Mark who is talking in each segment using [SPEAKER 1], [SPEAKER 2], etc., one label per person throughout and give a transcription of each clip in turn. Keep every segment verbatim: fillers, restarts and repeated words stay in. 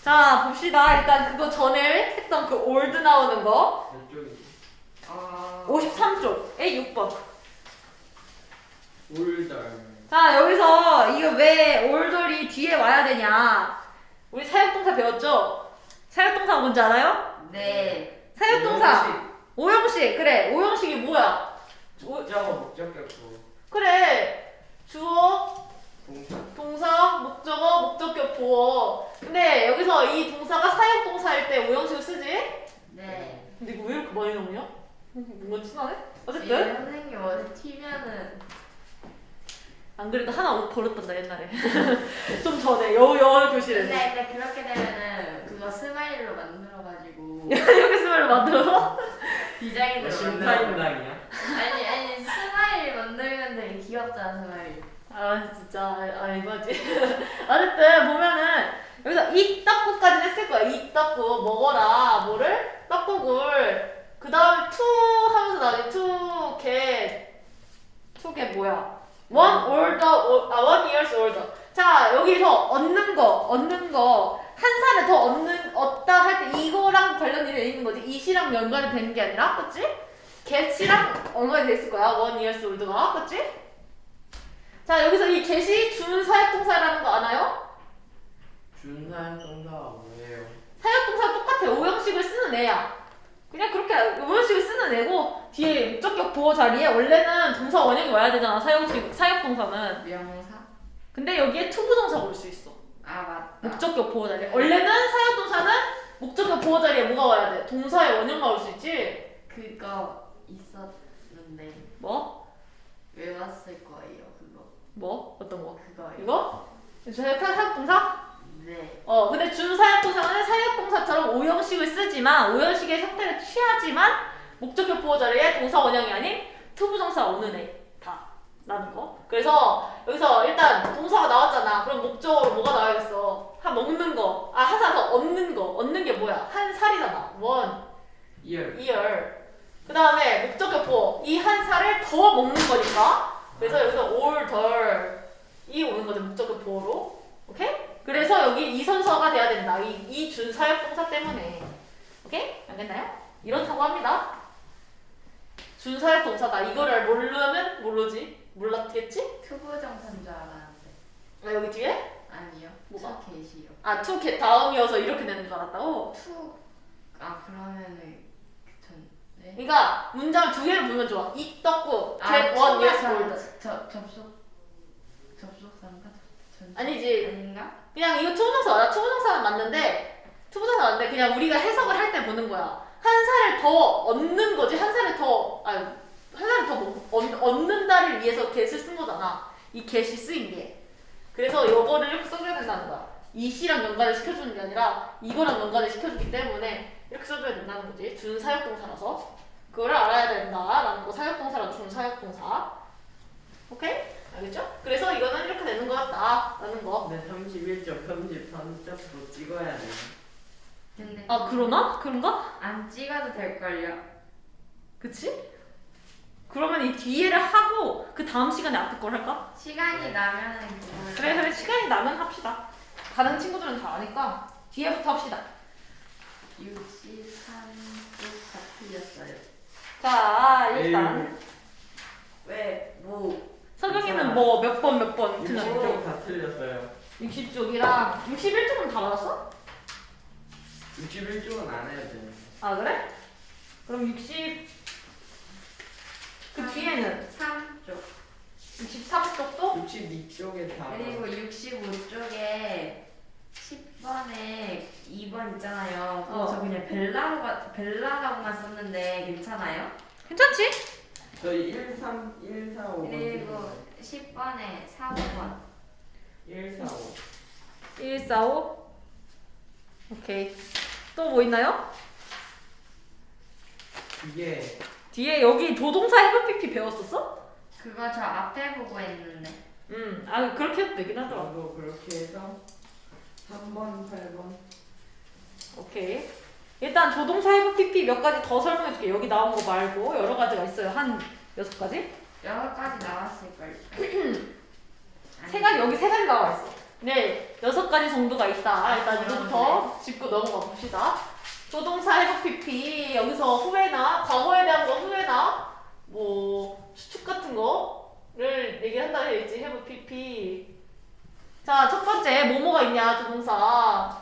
[SPEAKER 1] 자, 봅시다. 일단 그거 전에 했던 그 old 나오는 거.
[SPEAKER 2] 몇 쪽이지?
[SPEAKER 3] 어...
[SPEAKER 1] 오십삼 쪽에 육 번.
[SPEAKER 2] 올달.
[SPEAKER 1] 자, 여기서 이거 왜 older이 뒤에 와야 되냐. 우리 사역동사 배웠죠? 사역동사 뭔지 알아요?
[SPEAKER 3] 네.
[SPEAKER 1] 사역동사. 오형식. 그래. 오형식이 뭐야?
[SPEAKER 2] 목적어 목적격부.
[SPEAKER 1] 그래. 주어,
[SPEAKER 2] 동사.
[SPEAKER 1] 동사, 목적어, 목적격, 보어. 근데 여기서 이 동사가 사역동사일 때 오형식을 쓰지?
[SPEAKER 3] 네.
[SPEAKER 1] 근데 이거 왜 이렇게 많이 나오냐? 뭔가 친하네?
[SPEAKER 3] 이
[SPEAKER 1] 어쨌든
[SPEAKER 3] 선생님 어제 튀면은
[SPEAKER 1] 안 그래도 하나 옷 버렸단다 옛날에. 좀 전에 여, 영어 교실에서.
[SPEAKER 3] 근데, 근데 그렇게 되면은 그거 스마일로 만들어가지고
[SPEAKER 1] 이렇게 스마일을 만들어서
[SPEAKER 3] 디자인으로
[SPEAKER 2] 너
[SPEAKER 3] 만들어.
[SPEAKER 2] 심사임당이야?
[SPEAKER 3] 아니 아니 스마일 만들면 되게 귀엽잖아 스마일.
[SPEAKER 1] 아 진짜 아, 아 이거지. 어쨌든 보면은 여기서 이 떡국까지는 했을 거야. 이 떡국 먹어라 뭐를? 떡국을 그 다음에 to 하면서 나중에 to get to get 뭐야? one older 아 one years older. 자 여기서 얻는 거 얻는 거 한 살을 더 얻는 얻다 할 때 이거랑 관련이 돼 있는 거지. 이시랑 연관이 되는 게 아니라 그치? get이랑 연관이 돼 있을 거야. one years old가 그치? 자 여기서 이 get이 준사역동사라는 거 아나요?
[SPEAKER 2] 준사역 동사가 뭐예요?
[SPEAKER 1] 사역동사 똑같아. 오형식을 쓰는 애야. 그냥 그렇게 오형식을 쓰는 애고 뒤에 목적격 보호 자리에 원래는 동사 원형이 와야 되잖아. 사역식 사역동사는.
[SPEAKER 3] 명사?
[SPEAKER 1] 근데 여기에 투부정사가 올 수 있어.
[SPEAKER 3] 아 맞다.
[SPEAKER 1] 목적격 보호 자리에. 원래는 사역동사는 목적격 보호 자리에 뭐가 와야 돼? 동사의 원형만 올 수 있지.
[SPEAKER 3] 그거 있었는데
[SPEAKER 1] 뭐?
[SPEAKER 3] 외웠을 거예요 그거.
[SPEAKER 1] 뭐? 어떤 거?
[SPEAKER 3] 그거요.
[SPEAKER 1] 이거? 사역동사?
[SPEAKER 3] 네.
[SPEAKER 1] 어, 근데 준사역동사는 사역동사처럼 오형식을 쓰지만 오형식의 형태를 취하지만 목적격 보호 자리에 동사 원형이 아닌 투부정사 오는 애 다 라는 거. 그래서 여기서 일단 동사가 나왔잖아. 그럼 목적어로 뭐가 나와야겠어? 한 먹는 거. 아, 한 살 더 얻는 거. 얻는 게 뭐야? 한 살이잖아. 원,
[SPEAKER 2] 이열.
[SPEAKER 1] 이열. 그 다음에 목적격 보호. 이 한 살을 더 먹는 거니까. 그래서 여기서 older 이 오는 거죠. 목적격 보호로. 오케이? 그래서 여기 이선서가 돼야 된다. 이, 이 준사역동사 때문에. 오케이? 알겠나요? 이렇다고 합니다. 준사역동사다. 이거를 모르면 모르지. 몰랐겠지?
[SPEAKER 3] 투부정사인 줄 알았는데.
[SPEAKER 1] 아, 여기 뒤에?
[SPEAKER 3] 아니요.
[SPEAKER 1] 뭐가?
[SPEAKER 3] 투겟이요.
[SPEAKER 1] 아, to get 다음이어서 이렇게 되는 줄 알았다고?
[SPEAKER 3] 투. 아 그러면은 전. 네.
[SPEAKER 1] 그러니까 문장을 두 개를 보면 좋아. 이 떡국,
[SPEAKER 3] 아,
[SPEAKER 1] get one years
[SPEAKER 3] 투부정사.
[SPEAKER 1] old.
[SPEAKER 3] 저 접속 접속사인가? 전-
[SPEAKER 1] 아니지.
[SPEAKER 3] 아닌가?
[SPEAKER 1] 그냥 이거 투부정사 맞아. 투부정사는 맞는데 투부정사 맞는데 그냥 우리가 해석을 할 때 보는 거야. 한 살을 더 얻는 거지. 한 살을 더 아니 한 살을 더 먹- 얻, 얻는다를 위해서 get을 쓴 거잖아. 이 get이 쓰인 게. 그래서 요거를 이렇게 써줘야 된다는 거야. 이 시랑 연관을 시켜주는 게 아니라 이거랑 연관을 시켜주기 때문에 이렇게 써줘야 된다는 거지. 준사역동사라서 그거를 알아야 된다라는 거. 사역동사랑 준사역동사. 오케이? 알겠죠? 그래서 이거는 이렇게 되는 거였다라는 거.
[SPEAKER 2] 근데 삼십일 점, 삼십삼 점도 찍어야 돼.
[SPEAKER 3] 근데
[SPEAKER 1] 아 그러나? 그런가?
[SPEAKER 3] 안 찍어도 될 걸요.
[SPEAKER 1] 그치? 그러면 이 뒤에를 하고 그 다음 시간에 앞에 걸 할까?
[SPEAKER 3] 시간이 나면은 그거.
[SPEAKER 1] 그래 그래 시간이 나면 합시다. 다른 친구들은 다 아니까 뒤에부터 합시다.
[SPEAKER 3] 육십삼 쪽 다 틀렸어요.
[SPEAKER 1] 자 일단
[SPEAKER 3] 왜? 뭐?
[SPEAKER 1] 서경이는 뭐 몇 번 몇 번
[SPEAKER 2] 육십
[SPEAKER 1] 틀렸고
[SPEAKER 2] 점 다 틀렸어요.
[SPEAKER 1] 육십 쪽이랑 육십일 쪽은 다 맞았어?
[SPEAKER 2] 육십일 쪽은 안 해야 돼.
[SPEAKER 1] 아 그래? 그럼 육십 그 뒤에는
[SPEAKER 3] 삼 쪽.
[SPEAKER 1] 육십삼 쪽도?
[SPEAKER 2] 육십이 쪽에 다.
[SPEAKER 3] 그리고 육십오 쪽에 십 번에 이 번 있잖아요. 그거
[SPEAKER 1] 어.
[SPEAKER 3] 저 그냥 벨라로가 벨라라고만 썼는데 괜찮아요?
[SPEAKER 1] 괜찮지?
[SPEAKER 2] 저희 일, 삼, 일, 사, 오.
[SPEAKER 3] 그리고 십 번에 사, 오 번.
[SPEAKER 2] 일, 사, 오.
[SPEAKER 1] 일, 사, 오 오케이 또 뭐 있나요?
[SPEAKER 2] 이게
[SPEAKER 1] 뒤에 여기 조동사 해부 피피 배웠었어?
[SPEAKER 3] 그거 저 앞에 보고 했는데.
[SPEAKER 1] 음, 아 그렇게 해도 되긴 하더라.
[SPEAKER 2] 저도 그렇게 해서 삼 번, 팔 번.
[SPEAKER 1] 오케이. 일단 조동사 해부 피피 몇 가지 더 설명해줄게. 여기 나온 거 말고 여러 가지가 있어요. 한 여섯 가지?
[SPEAKER 3] 여러 가지 나왔을걸.
[SPEAKER 1] 세 가지 여기 세 가지 나와 있어. 네, 여섯 가지 정도가 있다. 일단 이거부터 짚고 넘어가 봅시다. 조동사 해부 피피 여기서 후회나 과거에 대한 거 후회나 뭐 추측 같은 거를 얘기한다 해야지. 해부 피피. 자, 첫 번째 뭐뭐가 있냐 조동사.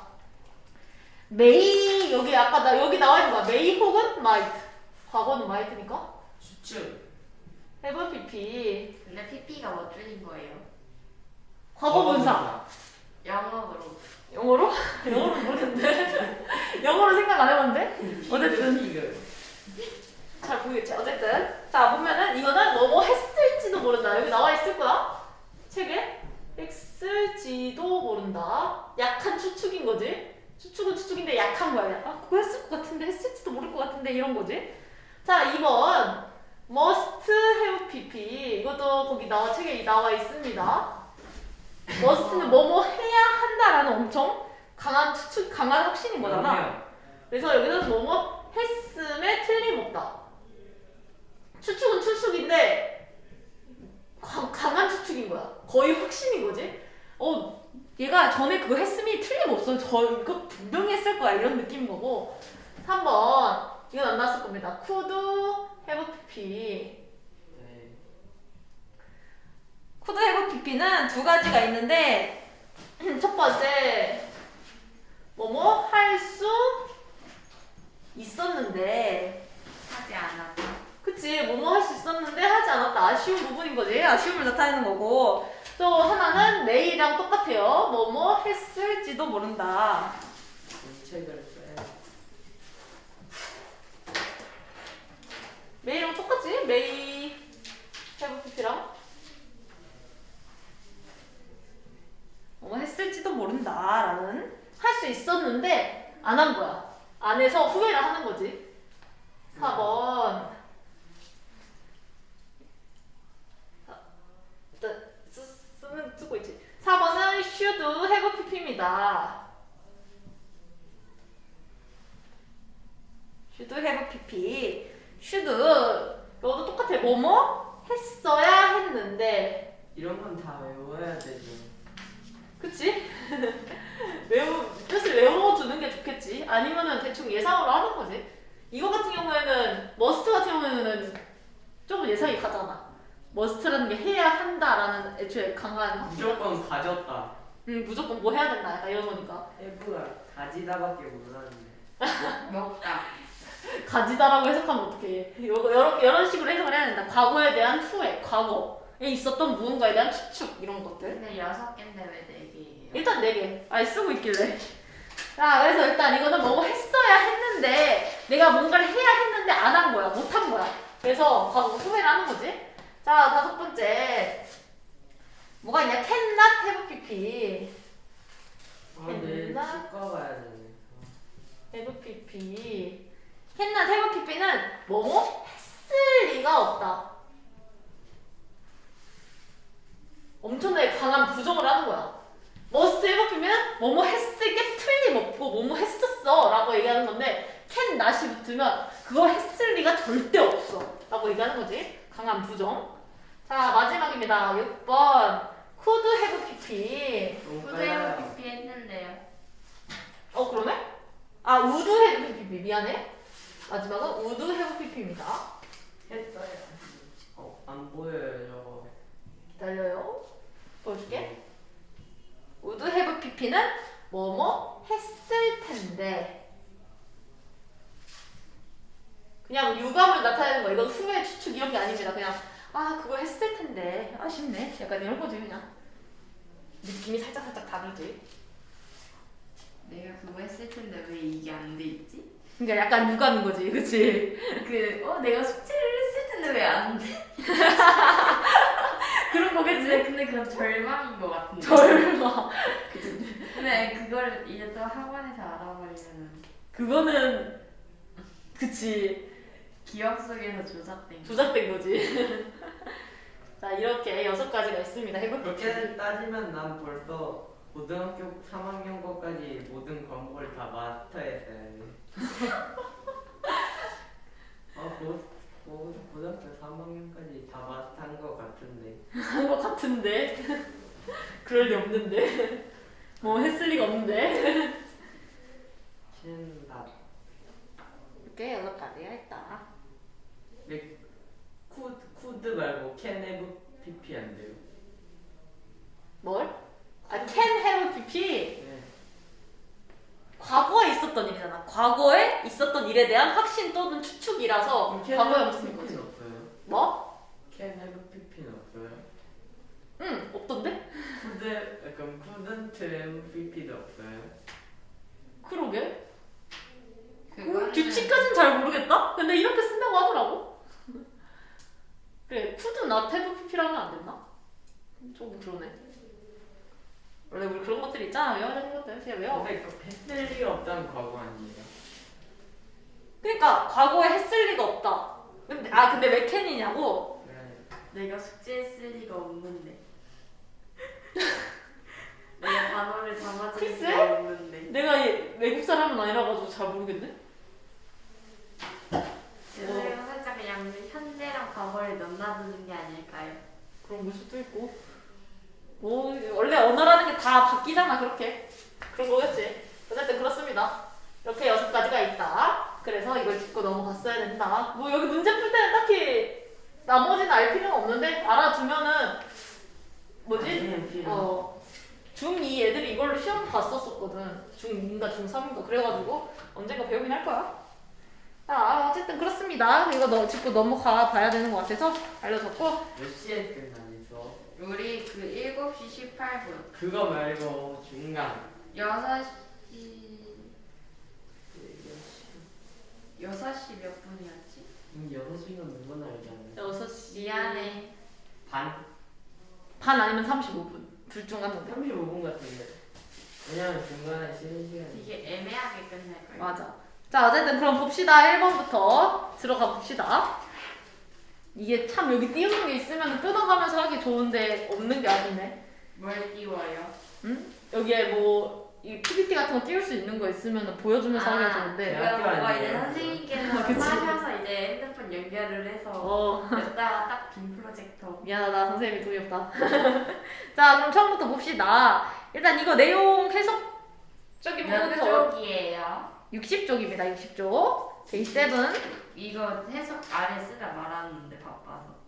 [SPEAKER 1] may 여기 아까 나 여기 나와 있는 거야. may 혹은 might. 과거는 might니까.
[SPEAKER 3] 추측.
[SPEAKER 1] 해부 피피.
[SPEAKER 3] 근데 피피가 뭐 줄인 거예요?
[SPEAKER 1] 과거 분사.
[SPEAKER 3] 영어로.
[SPEAKER 1] 영어로? 영어로 모르는데. 영어로 생각 안 해봤는데. 어쨌든 잘 보이겠지. 어쨌든 자 보면은 이거는 뭐뭐 했을지도 모른다. 여기 나와 있을 거야. 책에 했을지도 모른다. 약한 추측인 거지. 추측은 추측인데 약한 거야. 아 그거 했을 것 같은데 했을지도 모를 것 같은데 이런 거지. 자 이 번 must have pp 이것도 거기 나와 책에 나와 있습니다. must는 뭐뭐 해야 한다라는 엄청 강한 추측, 강한 확신인 거잖아. 그래서 여기서 뭐뭐 했음에 틀림없다. 추측은 추측인데 강, 강한 추측인 거야. 거의 확신인 거지. 어, 얘가 전에 그거 했음이 틀림없어. 저 이거 분명히 했을 거야. 이런 느낌인 거고. 삼 번 이건 안 나왔을 겁니다. could have pp. could have pp는 두 가지가 있는데 첫 번째 뭐뭐 할 수 있었는데
[SPEAKER 3] 하지 않았다.
[SPEAKER 1] 그치 뭐뭐 할 수 있었는데 하지 않았다. 아쉬운 부분인 거지. 아쉬움을 나타내는 거고. 또 하나는 내일이랑 똑같아요. 뭐뭐 했을지도 모른다.
[SPEAKER 3] 책을 써요.
[SPEAKER 1] 메이랑 똑같지? 메이 have pp랑 뭐 했을지도 모른다라는 할 수 있었는데 안 한 거야. 안 해서 후회를 하는 거지. 사 번 일단 쓰, 쓰는 쓰고 있지. 사 번은 should have pp입니다. should have pp. should 이것도 똑같아. 뭐뭐 했어야 했는데
[SPEAKER 3] 이런 건 다 외워야 되죠.
[SPEAKER 1] 그치? 외우, 뜻을 외워두는 게 좋겠지. 아니면은 대충 예상으로 하는 거지. 이거 같은 경우에는 머스트 같은 경우에는 조금 예상이 가잖아. 머스트라는 게 해야 한다라는 애초에 강한
[SPEAKER 3] 무조건 가졌다.
[SPEAKER 1] 응 무조건 뭐 해야 된다 약간 이런 거니까.
[SPEAKER 3] 해부가 가지다밖에 몰랐는데. 먹다.
[SPEAKER 1] 가지다라고 해석하면 어떡해. 이거 여러, 이런 식으로 해석을 해야 된다. 과거에 대한 후회, 과거에 있었던 무언가에 대한 추측 이런 것들.
[SPEAKER 3] 근데 여섯 개인데 왜 네 개예요?
[SPEAKER 1] 일단 네 개. 아예 쓰고 있길래. 자, 그래서 일단 이거는 뭐뭐 했어야 했는데 내가 뭔가를 해야 했는데 안 한 거야. 못 한 거야. 그래서 과거 후회를 하는 거지. 자, 다섯 번째. 뭐가 있냐? cannot have pp.
[SPEAKER 3] 아, 내일
[SPEAKER 1] 됐나?
[SPEAKER 3] 치과 가야 되네.
[SPEAKER 1] have pp. cannot have pp는 뭐뭐 했을 리가 없다. 엄청나게 강한 부정을 하는 거야. must have pp면 뭐뭐 했을 게 틀림없고 뭐뭐 했었어 라고 얘기하는 건데 can not이 붙으면 그거 했을 리가 절대 없어 라고 얘기하는 거지. 강한 부정. 자 마지막입니다. 육 번 could have pp.
[SPEAKER 3] 후대로 피피 했는데요.
[SPEAKER 1] 어 그러네? 아 would have pp 미안해. 마지막은 would have pp입니다.
[SPEAKER 3] 했어요. 어, 안 보여요 저거.
[SPEAKER 1] 기다려요. 보여줄게. would have pp는 뭐뭐 했을 텐데 그냥 유감을 나타내는 거야. 이건 후회 추측 이런 게 아닙니다. 그냥 아 그거 했을 텐데 아쉽네 약간 이런 거지. 그냥 느낌이 살짝 살짝 다르지.
[SPEAKER 3] 내가 그거 했을 텐데 왜 이게 안 돼 있지?
[SPEAKER 1] 그러니까 약간 유감인 거지. 그치?
[SPEAKER 3] 그, 어, 내가 숙제를 했을 텐데 왜 안 돼?
[SPEAKER 1] 그런 거겠지.
[SPEAKER 3] 근데, 근데 그건 절망인 것 같은데.
[SPEAKER 1] 절망. 그치?
[SPEAKER 3] 근데 그걸 이제 또 학원에서 알아버리면
[SPEAKER 1] 그거는 그치
[SPEAKER 3] 기억 속에서 조작된 거.
[SPEAKER 1] 조작된 거지. 자 이렇게 여섯 가지가 있습니다. 해볼게.
[SPEAKER 4] 그렇게 따지면 난 벌써 고등학교 삼 학년 거까지 모든 과목을 다 마스터했어요. 아, 고, 고, 고등학교 삼 학년까지 다 마스터한 것 같은데.
[SPEAKER 1] 한 것 같은데 그럴 리 없는데. 뭐 했을 리가 없는데.
[SPEAKER 4] 캔다.
[SPEAKER 1] 이렇게 여섯 가지가 있다.
[SPEAKER 4] 쿠드 쿠드 말고 캔 해브 피피 안 돼요?
[SPEAKER 1] 뭘? 아, can have pp.
[SPEAKER 4] 네.
[SPEAKER 1] 과거에 있었던 일이잖아. 과거에 있었던 일에 대한 확신 또는 추측이라서
[SPEAKER 4] 캔
[SPEAKER 1] 과거에
[SPEAKER 4] 해브
[SPEAKER 1] 무슨 거지?
[SPEAKER 4] 피피는 없어요?
[SPEAKER 1] 뭐?
[SPEAKER 4] 캔 해브 피피는 없어요?
[SPEAKER 1] 응, 없던데?
[SPEAKER 4] 쿠드 그럼 쿠든트 해브 피피도 없어요?
[SPEAKER 1] 그러게.
[SPEAKER 3] 그거는
[SPEAKER 1] 규칙까진 잘 모르겠다? 근데 이렇게 쓴다고 하더라고. 그래, 쿠드 not have pp라면 안 됐나? 조금 그러네. 원래 우리 그런 것들 있잖아. 외워야 되는 것들. 그냥 외워.
[SPEAKER 4] 근데 그 했을 리가 없다는 과거 아니에요?
[SPEAKER 1] 그러니까 과거에 했을 리가 없다. 근데 아 근데 왜 캔이냐고?
[SPEAKER 4] 네.
[SPEAKER 3] 내가 숙제했을 리가 없는데. 내가 단어를 다 맞을
[SPEAKER 1] 글쎄?
[SPEAKER 3] 리가 없는데.
[SPEAKER 1] 내가 이 외국 사람은 아니라 가지고 잘 모르겠네.
[SPEAKER 3] 그래서 살짝 그냥 현재랑 과거를 넘나드는 게 아닐까요?
[SPEAKER 1] 그런 걸 수도 있고. 뭐 원래 언어라는 게 다 바뀌잖아 그렇게. 그런 거겠지. 어쨌든 그렇습니다. 이렇게 여섯 가지가 있다. 그래서 이걸 짚고 넘어갔어야 된다. 뭐 여기 문제 풀 때는 딱히 나머지는 알 필요는 없는데 알아두면은 뭐지?
[SPEAKER 4] 아니에요, 필요.
[SPEAKER 1] 어 중이 애들이 이걸로 시험 봤었었거든. 중이인가 중삼인가 그래가지고 언젠가 배우긴 할 거야. 아 어쨌든 그렇습니다. 이거 너 짚고 넘어가 봐야 되는 것 같아서 알려줬고.
[SPEAKER 4] 몇 시에 끝나면서?
[SPEAKER 3] 우리 그 일곱 시 십팔 분.
[SPEAKER 4] 그거 말고 중간.
[SPEAKER 3] 여섯 시 여섯 시 몇 분이었지?
[SPEAKER 4] 음, 여섯 시간 누구나 알지 않나요?
[SPEAKER 1] 여섯 시
[SPEAKER 3] 미안해.
[SPEAKER 4] 반?
[SPEAKER 1] 반 아니면 삼십오 분. 둘 중 하나인데.
[SPEAKER 4] 삼십오 분 같은데. 왜냐면 중간에 쉬는 시간이.
[SPEAKER 3] 되게 애매하게 끝날 거예요.
[SPEAKER 1] 맞아. 자, 어쨌든 그럼 봅시다. 일 번부터 들어가 봅시다. 이게 참 여기 띄우는 게 있으면 뜯어가면서 하기 좋은데 없는 게 아쉽네.
[SPEAKER 3] 뭘 띄워요?
[SPEAKER 1] 응? 여기에 뭐 이 피피티 같은 거 띄울 수 있는 거 있으면 보여주면서 하기가 좋은데.
[SPEAKER 4] 대학교
[SPEAKER 3] 그거 뭔가 이제
[SPEAKER 4] 아니에요?
[SPEAKER 3] 선생님께서
[SPEAKER 1] 그치.
[SPEAKER 3] 하셔서 이제 핸드폰 연결을 해서
[SPEAKER 1] 어,
[SPEAKER 3] 여기다가 딱 빈 프로젝터.
[SPEAKER 1] 미안하다. 선생님이 돈이 없다. 자, 그럼 처음부터 봅시다. 일단 이거 내용 해석적인
[SPEAKER 3] 몇
[SPEAKER 1] 부분에서
[SPEAKER 3] 쪽이에요?
[SPEAKER 1] 육십 쪽입니다. 육십 쪽. 데이 세븐.
[SPEAKER 3] 이거 해석 아래 쓰다 말았는데 바빠서.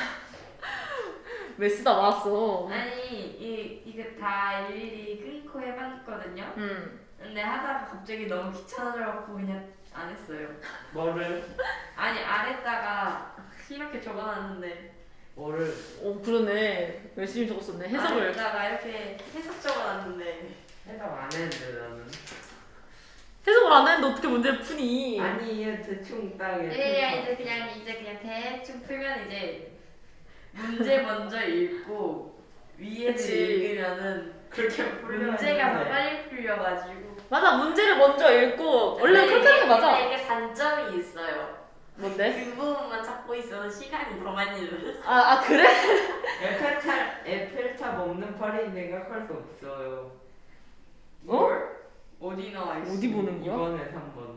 [SPEAKER 1] 왜 쓰다 말았어?
[SPEAKER 3] 아니 이 이거 다 일일이 끊고 해봤거든요.
[SPEAKER 1] 음.
[SPEAKER 3] 근데 하다가 갑자기 너무 귀찮아져갖고 그냥 안 했어요.
[SPEAKER 4] 뭐를?
[SPEAKER 3] 아니 아래다가 이렇게 적어놨는데
[SPEAKER 4] 뭐를?
[SPEAKER 1] 오, 그러네. 열심히 적었었네. 해석을.
[SPEAKER 3] 아래다가 이렇게 해석 적어놨는데
[SPEAKER 4] 해석 안 했는데 나는.
[SPEAKER 1] 해석을 안 했는데 어떻게 문제를 푸니?
[SPEAKER 4] 아니 얘 대충 딱
[SPEAKER 3] 예,
[SPEAKER 4] 이렇게.
[SPEAKER 3] 이제 그냥 이제 그냥 대충 풀면 이제 문제 먼저 읽고 위에를
[SPEAKER 1] 그치.
[SPEAKER 3] 읽으면은
[SPEAKER 4] 그렇게 풀려.
[SPEAKER 3] 문제가 더 빨리 풀려가지고.
[SPEAKER 1] 맞아, 문제를 먼저 읽고 원래
[SPEAKER 3] 근데
[SPEAKER 1] 그렇게 하는 게
[SPEAKER 3] 이게-
[SPEAKER 1] 맞아.
[SPEAKER 3] 근데 이게 단점이 있어요.
[SPEAKER 1] 뭔데?
[SPEAKER 3] 그 부분만 찾고 있어서 시간이 더 많이 들어요.
[SPEAKER 1] 아, 아 그래?
[SPEAKER 4] 에펠탑 에펠탑 없는 파리 생각할 수 없어요.
[SPEAKER 3] 뭘? 어디 나와 있어?
[SPEAKER 1] 어디 보는 거야?
[SPEAKER 4] 이번에 삼 번.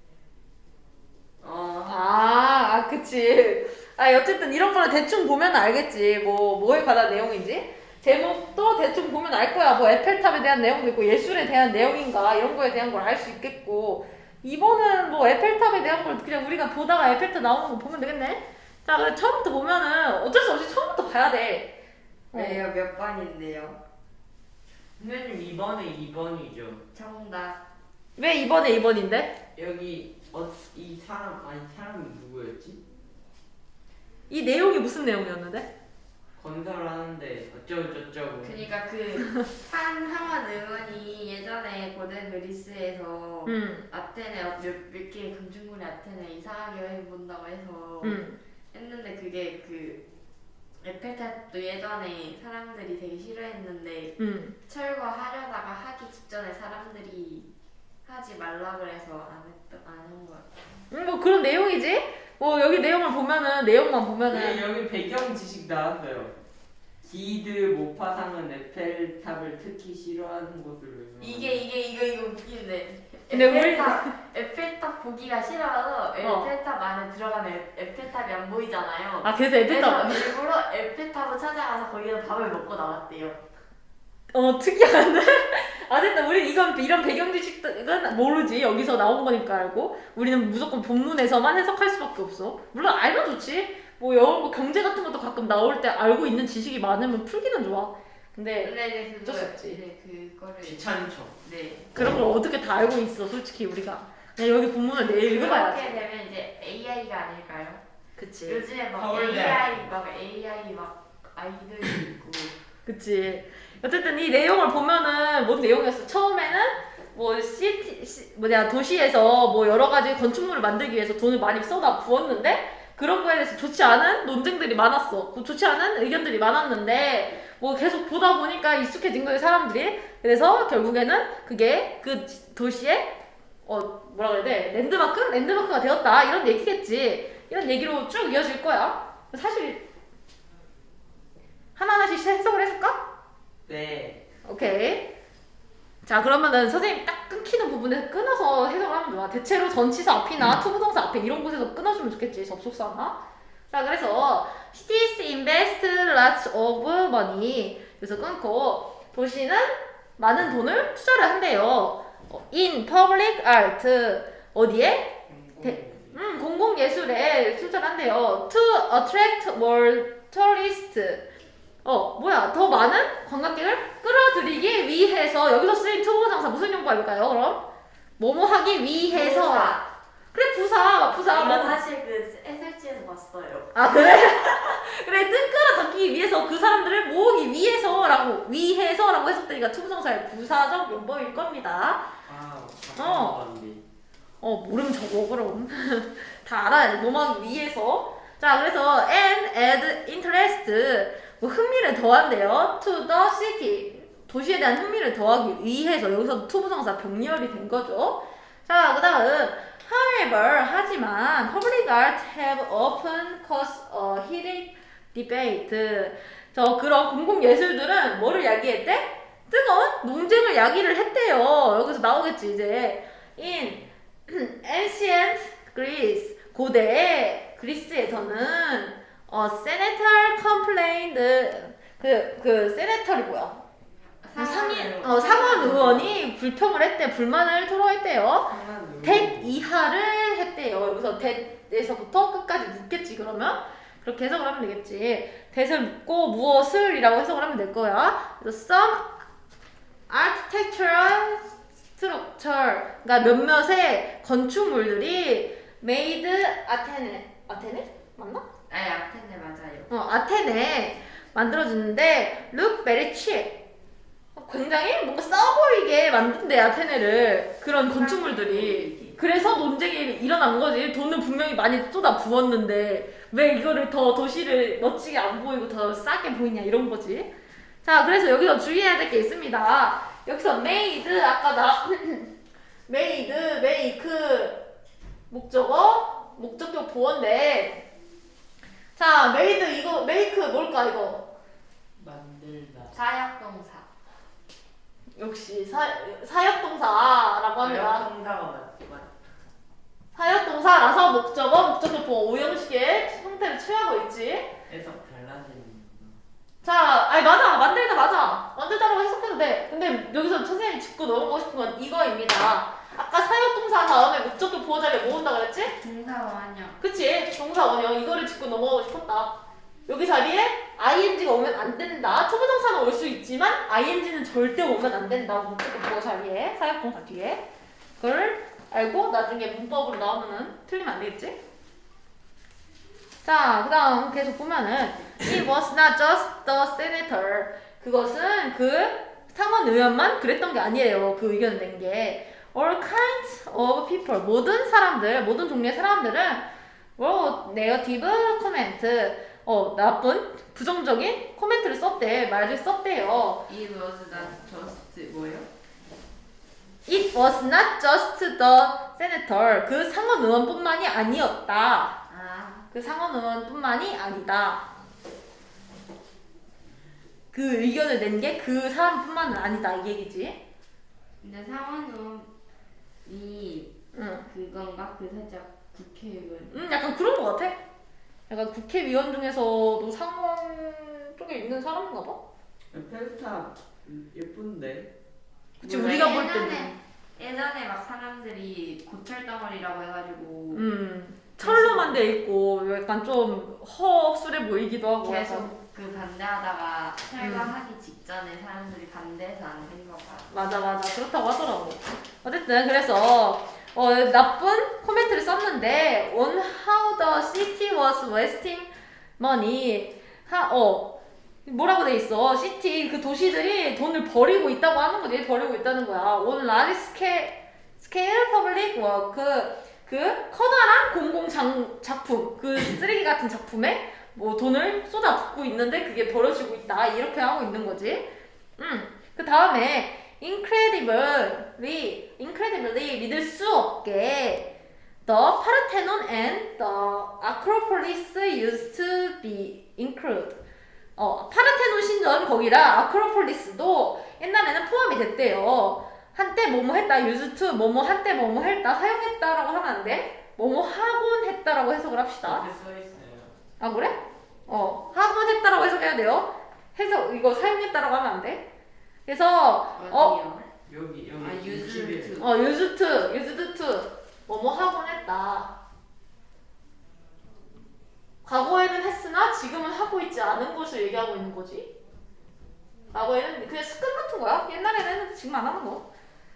[SPEAKER 3] 어.
[SPEAKER 1] 아, 아, 그치. 아, 어쨌든 이런 거는 대충 보면 알겠지. 뭐, 뭐에 관한 내용인지. 제목도 대충 보면 알 거야. 뭐, 에펠탑에 대한 내용도 있고, 예술에 대한 내용인가, 이런 거에 대한 걸 알 수 있겠고. 이번은 뭐, 에펠탑에 대한 걸 그냥 우리가 보다가 에펠탑 나오는 거 보면 되겠네? 자, 그래, 처음부터 보면은 어쩔 수 없이 처음부터 봐야 돼. 어.
[SPEAKER 3] 왜요? 몇 번인데요?
[SPEAKER 4] 선생님 이번에 이 번이죠.
[SPEAKER 3] 정답.
[SPEAKER 1] 왜 이번에 이 번인데?
[SPEAKER 4] 여기 어, 이 사람 아니 사람이 누구였지?
[SPEAKER 1] 이 내용이 무슨 내용이었는데?
[SPEAKER 4] 건설하는데 어쩌고 저쩌고.
[SPEAKER 3] 그니까 그 한하원 의원이 예전에 고대 그리스에서
[SPEAKER 1] 음,
[SPEAKER 3] 아테네 몇, 몇 개의 금중군의 아테네 이상하게 해본다고 해서
[SPEAKER 1] 음.
[SPEAKER 3] 했는데 그게 그 에펠탑도 예전에 사람들이 되게 싫어했는데
[SPEAKER 1] 음.
[SPEAKER 3] 철거하려다가 하기 직전에 사람들이 하지 말라 그래서 안 했던 안한 것 같아.
[SPEAKER 1] 음, 뭐 그런 내용이지? 뭐 여기 내용을 보면은 내용만 보면은
[SPEAKER 4] 네, 여기 배경 지식 나왔어요. 기드 모파상은 에펠탑을 특히 싫어하는 곳으로 유명합니다.
[SPEAKER 3] 이게 이게 이거 이거 웃기는데
[SPEAKER 1] 근데 우리-
[SPEAKER 3] 에펠탑 에펠탑 보기가 싫어서 에펠탑 안에 들어가면 에- 에펠탑이 안 보이잖아요.
[SPEAKER 1] 아 그래서 에펠탑
[SPEAKER 3] 그래서 일부러 에펠탑을 찾아가서 거기서 밥을 먹고 나왔대요.
[SPEAKER 1] 어 특이한데? 어쨌든 우린 이건 이런 배경 지식은 모르지. 여기서 나온 거니까 알고. 우리는 무조건 본문에서만 해석할 수밖에 없어. 물론 알면 좋지. 뭐 영어 뭐 경제 같은 것도 가끔 나올 때 알고 있는 지식이 많으면 풀기는 좋아. 근데
[SPEAKER 3] 근데 이제
[SPEAKER 1] 어쩔 수
[SPEAKER 3] 그거
[SPEAKER 1] 없지.
[SPEAKER 3] 이제 그거를
[SPEAKER 4] 귀찮죠.
[SPEAKER 3] 네.
[SPEAKER 1] 그런 걸 어떻게 다 알고 있어, 솔직히 우리가. 그냥 여기 본문을 내일 읽어봐야지.
[SPEAKER 3] 그렇게 되면 이제 에이아이가 아닐까요?
[SPEAKER 1] 그치.
[SPEAKER 3] 요즘에 막
[SPEAKER 4] 서울대.
[SPEAKER 3] 에이아이 막 에이아이 막 아이들이 있고
[SPEAKER 1] 그치. 어쨌든 이 내용을 보면은 뭔 내용이었어? 처음에는 뭐 시티, 시, 뭐냐 도시에서 뭐 여러 가지 건축물을 만들기 위해서 돈을 많이 쏟아 부었는데 그런 거에 대해서 좋지 않은 논쟁들이 많았어. 그 좋지 않은 의견들이 많았는데 뭐 계속 보다 보니까 익숙해진 거예요, 사람들이. 그래서 결국에는 그게 그 도시의 어 뭐라 그래야 돼? 랜드마크? 랜드마크가 되었다. 이런 얘기겠지. 이런 얘기로 쭉 이어질 거야. 사실 하나하나씩 해석을 해줄까?
[SPEAKER 4] 네.
[SPEAKER 1] 오케이. 자, 그러면은 선생님 딱 끊기는 부분에서 끊어서 해석을 하면 좋아. 대체로 전치사 앞이나 투부정사 앞에 이런 곳에서 끊어주면 좋겠지, 접속사나. 자, 그래서 cities invest lots of money. 그래서 끊고 도시는 많은 돈을 투자를 한대요. 어, in public art. 어디에? 대- 음, 공공예술에 투자를 한대요. To attract more tourists. 어, 뭐야, 더 많은 관광객을 끌어들이기 위해서. 여기서 쓰인 투부정사 무슨 용법 알까요, 그럼? 뭐뭐 하기 위해서.
[SPEAKER 3] 부사.
[SPEAKER 1] 그래, 부사, 부사.
[SPEAKER 3] 이거
[SPEAKER 1] 뭐.
[SPEAKER 3] 사실 그 에스엘씨에서 봤어요.
[SPEAKER 1] 아, 그래? 그래, 뜬 끌어당기기 위해서, 그 사람들을 모으기 위해서라고, 위해서라고 해석되니까 투부정사의 부사적 용법일 겁니다.
[SPEAKER 4] 아,
[SPEAKER 1] 어.
[SPEAKER 4] 어.
[SPEAKER 1] 어, 모르면 적어, 그럼. 다 알아야 돼. 뭐만 위해서. 자, 그래서 and add interest. 뭐 흥미를 더한대요. to the city. 도시에 대한 흥미를 더하기 위해서. 여기서 투부정사 병렬이 된 거죠. 자, 그 다음 however, 하지만 public art have often caused a heated debate. 저 그런 공공예술들은 뭐를 야기했대? 뜨거운 논쟁을 야기를 했대요. 여기서 나오겠지, 이제. in ancient Greece. 고대 그리스에서는 어, senator complained. 그, 그, senator이 뭐야? 상인, 어, 상원 의원이 불평을 했대. 불만을 토로했대요. that 이하를 했대요. 여기서 that에서부터 끝까지 묻겠지, 그러면. 그렇게 해석을 하면 되겠지. that을 묻고 무엇을 이라고 해석을 하면 될 거야. 그래서 some architectural structure. 그러니까 몇몇의 건축물들이 made 아테네. 아테네? 맞나?
[SPEAKER 3] 아니 아테네 맞아요.
[SPEAKER 1] 어, 아테네 만들어주는데 look very cheap. 굉장히 뭔가 싸 보이게 만든대, 아테네를. 그런 건축물들이. 그래서 논쟁이 일어난 거지. 돈을 분명히 많이 쏟아 부었는데 왜 이거를 더 도시를 멋지게 안 보이고 더 싸게 보이냐, 이런 거지. 자, 그래서 여기서 주의해야 될 게 있습니다. 여기서 made, 아까 나 made, make 목적어, 목적격 보어인데, 자, made 이거 make 뭘까, 이거?
[SPEAKER 4] 만들다.
[SPEAKER 3] 사역동사.
[SPEAKER 1] 역시 사, 사역동사라고 합니다.
[SPEAKER 4] 동사가 맞, 맞.
[SPEAKER 1] 사역동사라서 목적어, 목적격 보어 오형식의 형태를 취하고 있지.
[SPEAKER 4] 해석 달라지는.
[SPEAKER 1] 자, 아니 맞아, 만들다 맞아. 만들다라고 해석해도 돼. 근데 여기서 선생님이 짚고 넘어가고 싶은 건 이거입니다. 아까 사역동사 다음에 목적격 보어 자리에 뭐 온다 그랬지?
[SPEAKER 3] 동사원형.
[SPEAKER 1] 그치? 동사 원형. 이거를 짚고 넘어가고 싶었다. 여기 자리에 ing가 오면 안 된다. 초보동사는 올 수 있지만 ing는 절대 오면 안 된다. 목적격 보어 자리에, 사역동사 뒤에. 그걸 알고 나중에 문법으로 나오면은 틀리면 안 되겠지? 자, 그 다음 계속 보면은 It was not just the senator. 그것은 그 상원 의원만 그랬던 게 아니에요. 그 의견을 낸 게. All kinds of people. 모든 사람들, 모든 종류의 사람들은 wrote negative comment. 어, 나쁜, 부정적인 코멘트를 썼대. 말을 썼대요.
[SPEAKER 3] It was not just 뭐예요?
[SPEAKER 1] It was not just the senator. 그 상원 의원뿐만이 아니었다.
[SPEAKER 3] 아,
[SPEAKER 1] 그 상원 의원뿐만이 아니다. 그 의견을 낸 게 그 사람뿐만은 아니다, 이 얘기지.
[SPEAKER 3] 근데 상원의원이
[SPEAKER 1] 응.
[SPEAKER 3] 그건가? 그 살짝 국회의원.
[SPEAKER 1] 음, 약간 그런 거 같아. 약간 국회의원 중에서도 상원 쪽에 있는 사람인가 봐.
[SPEAKER 4] 페스타 예쁜데.
[SPEAKER 1] 그치
[SPEAKER 3] 몰라,
[SPEAKER 1] 우리가 볼
[SPEAKER 3] 예전에-
[SPEAKER 1] 때는
[SPEAKER 3] 예전에 막 사람들이 고철 덩어리라고 해가지고
[SPEAKER 1] 음 철로만 돼 있고 약간 좀 허술해 보이기도 하고 약간.
[SPEAKER 3] 계속 그 반대하다가
[SPEAKER 1] 음.
[SPEAKER 3] 철거하기 직전에 사람들이 반대해서 안 된 거가.
[SPEAKER 1] 맞아 맞아 그렇다고 하더라고. 어쨌든 그래서 어, 나쁜 코멘트를 썼는데 on how the city was wasting money 하, 어 뭐라고 돼 있어 시티 그 도시들이 돈을 버리고 있다고 하는 거지. 버리고 있다는 거야. on large scale, scale public work 그, 그 커다란 공공 장, 작품 그 쓰레기 같은 작품에 뭐 돈을 쏟아붓고 있는데 그게 버려지고 있다 이렇게 하고 있는 거지. 음. 그 다음에 incredibly, incredibly 믿을 수 없게 the Parthenon and the Acropolis used to be included. 어, 파르테논 신전 거기랑 아크로폴리스도 옛날에는 포함이 됐대요. 한때 뭐뭐 했다, used to 뭐뭐 한때 뭐뭐 했다, 사용했다라고 하면 안 돼. 뭐뭐 하곤 했다라고 해석을 합시다.
[SPEAKER 4] 이렇게 써 있어요.
[SPEAKER 1] 아 그래? 어 하곤 했다라고 해석해야 돼요. 해석 이거 사용했다라고 하면 안 돼. 그래서 어
[SPEAKER 3] 어디요?
[SPEAKER 4] 여기 여기
[SPEAKER 3] 아,
[SPEAKER 4] 이십일.
[SPEAKER 3] used to.
[SPEAKER 1] 어, used to, used to 뭐뭐 하곤 했다. 과거에는 했으나 지금은 하고 있지 않은 것을 얘기하고 있는 거지. 과거에는 그냥 습관 같은 거야. 옛날에는 했는데 지금 안 하는 거.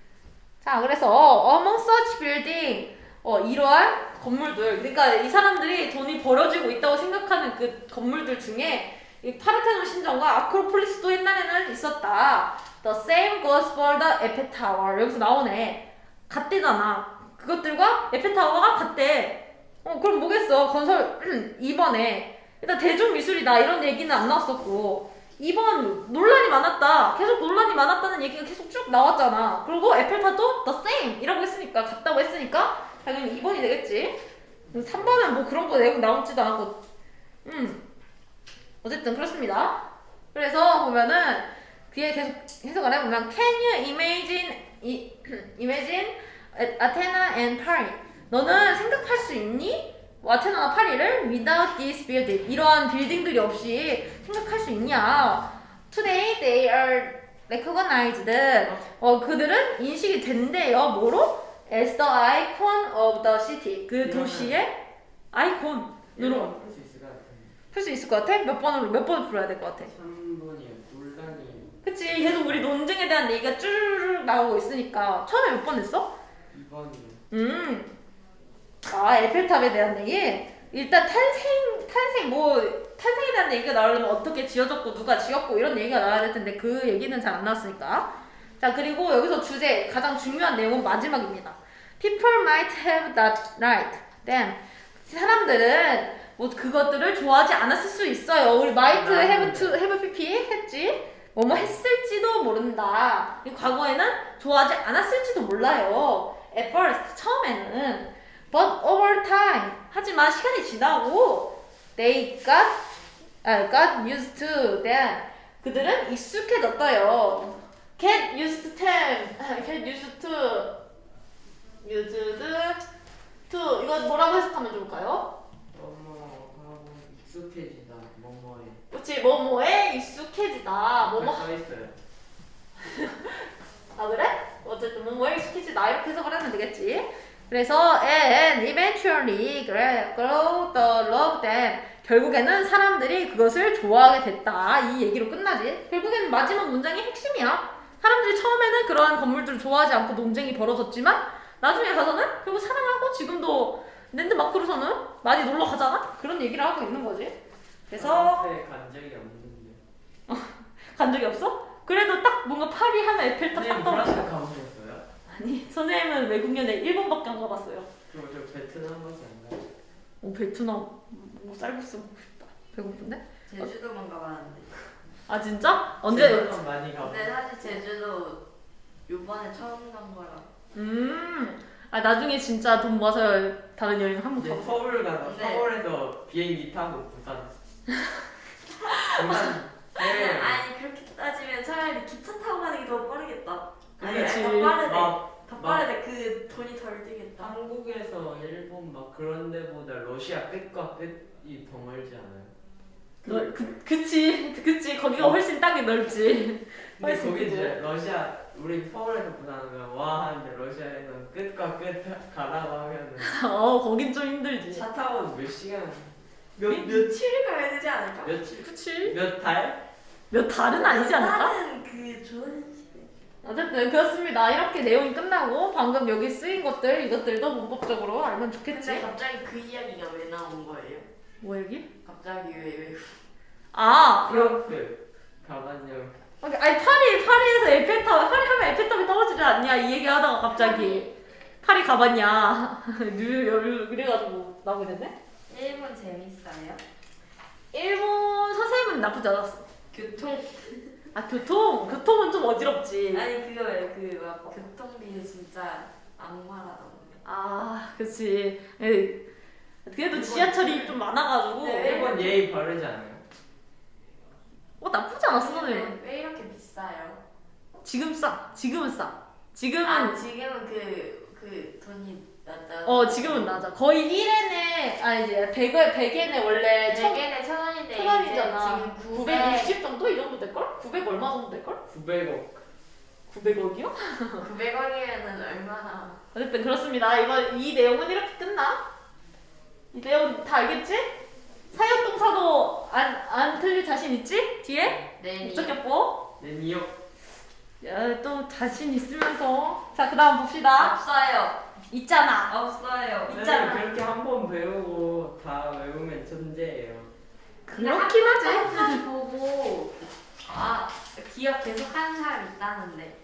[SPEAKER 1] 자, 그래서 among such building 어, 이러한 건물들. 그러니까 이 사람들이 돈이 버려지고 있다고 생각하는 그 건물들 중에 이 파르테논 신전과 아크로폴리스도 옛날에는 있었다. The same goes for the Eiffel Tower. 여기서 나오네. 같대잖아. 그것들과 에펠타워가 같대. 어 그럼 뭐겠어. 건설 이 번에 일단 대중미술이다 이런 얘기는 안 나왔었고 이 번 논란이 많았다. 계속 논란이 많았다는 얘기가 계속 쭉 나왔잖아. 그리고 에펠탑도 the same 이라고 했으니까 같다고 했으니까 당연히 이 번이 되겠지. 삼 번은 뭐 그런 거 내용 나오지도 않고 음 어쨌든 그렇습니다. 그래서 보면은 뒤에 계속 해석을 해보면 Can you imagine 이, imagine Athena and Paris 너는 생각할 수 있니? 아테나나 파리를 without this building 이러한 빌딩들이 없이 생각할 수 있냐? Today they are recognized 어 그들은 인식이 된대요. 뭐로? As the icon of the city 그 도시의 아이콘으로
[SPEAKER 4] 이거 풀수 있을 것 같은데.
[SPEAKER 1] 풀 수 있을 것 같아? 몇 번으로 몇 번을 풀어야 될 것 같아?
[SPEAKER 4] 삼 번이요. 논란이
[SPEAKER 1] 그치 계속 우리 논쟁에 대한 얘기가 쭈르륵 나오고 있으니까 처음에 몇 번 했어?
[SPEAKER 4] 이 번이요.
[SPEAKER 1] 음. 아, 에펠탑에 대한 얘기? 일단 탄생, 탄생, 뭐, 탄생에 대한 얘기가 나오려면 어떻게 지어졌고, 누가 지었고, 이런 얘기가 나와야 될 텐데, 그 얘기는 잘 안 나왔으니까. 자, 그리고 여기서 주제, 가장 중요한 내용은 마지막입니다. People might have that right. Then, 사람들은 뭐 그것들을 좋아하지 않았을 수 있어요. 우리 might have to, have pp 했지? 뭐뭐 했을지도 모른다. 이 과거에는 좋아하지 않았을지도 몰라요. At first, 처음에는. But over time, 하지만 시간이 지나고 they got, 아, got used to them. 그들은 익숙해졌어요. Get used to them. Get used to. used to. 이거 뭐라고 해석하면 좋을까요?
[SPEAKER 4] 뭐뭐하고 익숙해지다. 뭐뭐에.
[SPEAKER 1] 그렇지, 뭐뭐에 익숙해지다. 뭐뭐
[SPEAKER 4] 써 있어요.
[SPEAKER 1] 아 그래? 어쨌든 뭐뭐에 익숙해지다 이렇게 해석을 하면 되겠지. 그래서 and eventually grow the love them 결국에는 사람들이 그것을 좋아하게 됐다 이 얘기로 끝나지. 결국에는 마지막 문장이 핵심이야. 사람들이 처음에는 그러한 건물들을 좋아하지 않고 논쟁이 벌어졌지만 나중에 가서는 결국 사랑하고 지금도 랜드마크로서는 많이 놀러 가잖아? 그런 얘기를 하고 있는 거지. 그래서
[SPEAKER 4] 프랑스에 간 적이 없는데.
[SPEAKER 1] 간 적이 없어? 그래도 딱 뭔가 파리 하면 에펠탑 딱
[SPEAKER 4] 선생님
[SPEAKER 1] 떠오르
[SPEAKER 4] 프랑스 가보셨어요?
[SPEAKER 1] 아니 선생님은 외국 연애 일본밖에 안 가봤어요.
[SPEAKER 4] 저, 저 베트남 가서 안 가요.
[SPEAKER 1] 오 베트남 뭐 쌀국수 먹고 싶다. 배고픈데?
[SPEAKER 3] 제주도만 가봤는데.
[SPEAKER 1] 아 진짜? 언제?
[SPEAKER 4] 제주도 많이 가보.
[SPEAKER 3] 근데 사실 제주도 요번에 처음 간 거라.
[SPEAKER 1] 음. 아 나중에 진짜 돈 모아서 다른 여행 한번
[SPEAKER 4] 이제
[SPEAKER 1] 가보자.
[SPEAKER 4] 서울 가서
[SPEAKER 3] 네.
[SPEAKER 4] 서울에서 비행기 타고 부산. 부산. 네.
[SPEAKER 3] 아니 그렇게 따지면 차라리 기차 타고 가는 게 더 빠르겠다. 아니
[SPEAKER 1] 그치.
[SPEAKER 3] 더 빠르대.
[SPEAKER 4] 막,
[SPEAKER 3] 더
[SPEAKER 4] 막
[SPEAKER 3] 빠르대. 그 돈이 덜 들겠다.
[SPEAKER 4] 한국에서 일본 막 그런 데보다 러시아 끝과 끝이 더 멀지 않아요?
[SPEAKER 1] 너, 그, 그치 그치 거기가 훨씬 땅이 넓지.
[SPEAKER 4] 근데
[SPEAKER 1] 훨씬
[SPEAKER 4] 거기
[SPEAKER 1] 크고.
[SPEAKER 4] 이제 러시아 우리 서울에서 부산하면 와 하는데 러시아에서는 끝과 끝 가라고 하면은
[SPEAKER 1] 어 거긴 좀 힘들지.
[SPEAKER 4] 차 타고 몇 시간
[SPEAKER 3] 몇 며칠 가야 되지 않을까?
[SPEAKER 4] 며칠
[SPEAKER 1] 그치?
[SPEAKER 4] 몇 달?
[SPEAKER 1] 몇 달은 아니지 않을까?
[SPEAKER 3] 나는 그 좋은 시대.
[SPEAKER 1] 어쨌든 그렇습니다. 이렇게 내용이 끝나고 방금 여기 쓰인 것들 이것들도 문법적으로 알면
[SPEAKER 3] 근데
[SPEAKER 1] 좋겠지.
[SPEAKER 3] 갑자기 그 이야기가 왜 나온 거예요?
[SPEAKER 1] 뭐 얘기?
[SPEAKER 3] 갑자기 왜 왜?
[SPEAKER 1] 아
[SPEAKER 4] 프랑스 가봤냐?
[SPEAKER 1] 아니 파리 파리에서 에펠탑 파리 하면 에펠탑이 떨어지지 않냐 이 얘기하다가 갑자기 파리 가봤냐 뉴 그래가지고 나오게 됐네.
[SPEAKER 3] 일본 재밌어요?
[SPEAKER 1] 일본 선생님은 나쁘지 않았어.
[SPEAKER 3] 교통
[SPEAKER 1] 아 교통 교통은 좀 어지럽지.
[SPEAKER 3] 아니 그거예요. 그막 교통비 진짜 악마라던데.
[SPEAKER 1] 아 그치. 에이, 그래도 지하철이 좀 많아가지고
[SPEAKER 3] 네.
[SPEAKER 4] 일본 예의 바르지 않아요?
[SPEAKER 1] 어 나쁘지 않았어 선생님.
[SPEAKER 3] 왜, 왜 이렇게 비싸요?
[SPEAKER 1] 지금 싸. 지금은 싸. 지금은
[SPEAKER 3] 아 지금은 그 그 돈이 낮아.
[SPEAKER 1] 어 지금은 낮아. 거의 일 엔에 아니 이제 백 엔 백 엔에 원래 천
[SPEAKER 3] 백엔에 천 원인데
[SPEAKER 1] 천 원이잖아.
[SPEAKER 3] 지금 구백
[SPEAKER 1] 구백육십 정도 이 정도 될 걸? 구백 얼마 정도 될 걸?
[SPEAKER 4] 구백억.
[SPEAKER 1] 구백억이요?
[SPEAKER 3] 구백 원이면은 얼마나?
[SPEAKER 1] 어쨌든 그렇습니다. 이번 이 내용은 이렇게 끝나. 이 내용 다 알겠지? 사역동사도 안 안 틀릴 자신 있지? 뒤에
[SPEAKER 3] 네.
[SPEAKER 1] 목적격보.
[SPEAKER 4] 내 니역.
[SPEAKER 1] 야, 또 자신 있으면서 자 그다음 봅시다.
[SPEAKER 3] 없어요.
[SPEAKER 1] 있잖아.
[SPEAKER 3] 없어요.
[SPEAKER 1] 있잖아.
[SPEAKER 4] 선생님 그렇게 한 번 배우고 다 외우면 천재예요.
[SPEAKER 1] 그렇긴 하지.
[SPEAKER 3] 한번 보고 아 기억 계속 하는 사람 있다는데.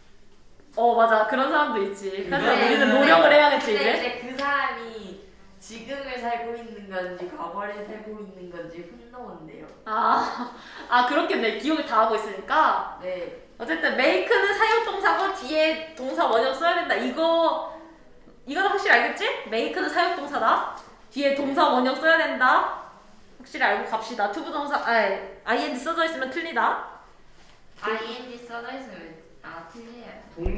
[SPEAKER 1] 어 맞아 그런 사람도 있지. 하지만
[SPEAKER 4] 네,
[SPEAKER 1] 우리는
[SPEAKER 4] 네.
[SPEAKER 1] 노력을 해야겠지
[SPEAKER 3] 근데
[SPEAKER 1] 이제.
[SPEAKER 3] 이제 그 사람이 지금을 살고 있는 건지 과거를 살고 있는 건지 혼동한대요.
[SPEAKER 1] 아, 아 그렇겠네. 기억을 다 하고 있으니까.
[SPEAKER 3] 네.
[SPEAKER 1] 어쨌든 make는 사역동사고 뒤에 동사 원형 써야 된다. 이거 이거는 확실히 알겠지? make는 사역동사다. 뒤에 동사 원형 써야 된다. 확실히 알고 갑시다. 투부동사 아이 ing 써져 있으면 틀리다.
[SPEAKER 3] 아이엔지 써져 있으면 아 틀려요.
[SPEAKER 4] 동